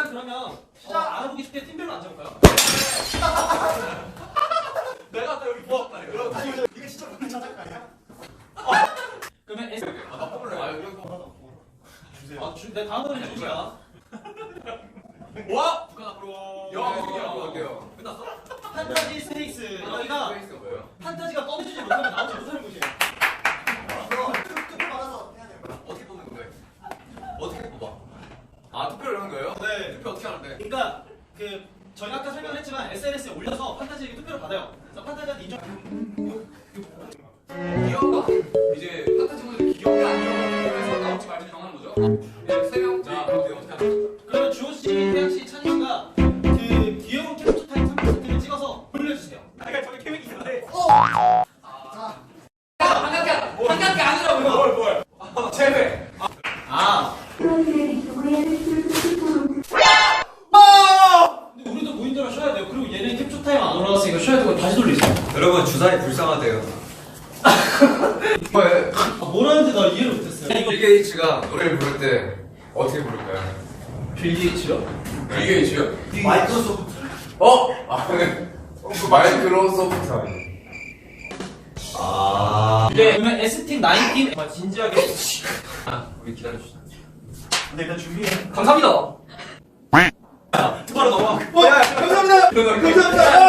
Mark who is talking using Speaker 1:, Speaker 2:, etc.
Speaker 1: 일단 그러면 알아보기 쉽게 팀별로 앉아볼까요?
Speaker 2: 내가 아까 여기 보았다.
Speaker 3: 이게 진짜 오늘 자작가 아니야?
Speaker 1: 그러면 S
Speaker 2: 나 뽑을래. 이거
Speaker 3: 주세요.
Speaker 1: 내 다음으로 주시야.
Speaker 2: 와! 북한 앞으로. 할게요. 끝났어?
Speaker 1: 판타지 스테이크스. 여기가
Speaker 2: 페이스가 뭐예요?
Speaker 1: 판타지가 꺼내주지 못하면 나오지 못하는 곳이에요.
Speaker 3: 너 뚝뚝 말아서 해야 되는 거야.
Speaker 2: 어떻게 뽑는 건데? 어떻게 뽑아? 아, 투표를 하는 거예요?
Speaker 1: 네.
Speaker 2: 투표 어떻게 하는데?
Speaker 1: 그러니까 그 저희가 아까 설명했지만 SNS에 올려서 판타지에게 투표를 받아요. 그래서 판타지한테 인정.
Speaker 2: 귀여운가? 이제 판타지 분들이 귀여운가 안 귀여운가 그래서 나올지 말지 정하는 거죠? 네, 3명. 자, 그럼 어떻게 하는 거죠?
Speaker 1: 그러면 주호 씨, 태양 씨, 찬희 씨가 그 귀여운 캡처 타임 3%를 찍어서 올려주세요.
Speaker 3: 그러니까 저기 계획이 있는데.
Speaker 2: 한강게 아니라고요? 뭘? 제외.
Speaker 1: 근데 우리도 무인도라 쉬어야 돼요. 그리고 얘는 캡처 타임 안 올라갔으니까 쉬어야 되고 다시 돌리세요.
Speaker 4: 여러분 주사위 불쌍하대요.
Speaker 2: 왜?
Speaker 1: 뭐라는지 나 이해를 못했어요.
Speaker 2: 빌 게이츠가 노래를 부를 때 어떻게 부를까요?
Speaker 1: 빌 게이츠요?
Speaker 2: 빌 게이츠요?
Speaker 3: 마이크로소프트.
Speaker 2: 아, 네. 그 마이크로소프트 아니에요?
Speaker 1: 네, 그러면 S팀 9팀 정말 진지하게
Speaker 2: 우리 기다려주시죠.
Speaker 3: 근데 일단 준비해.
Speaker 2: 감사합니다.
Speaker 1: 바로 넘어가.
Speaker 3: 감사합니다. 감사합니다.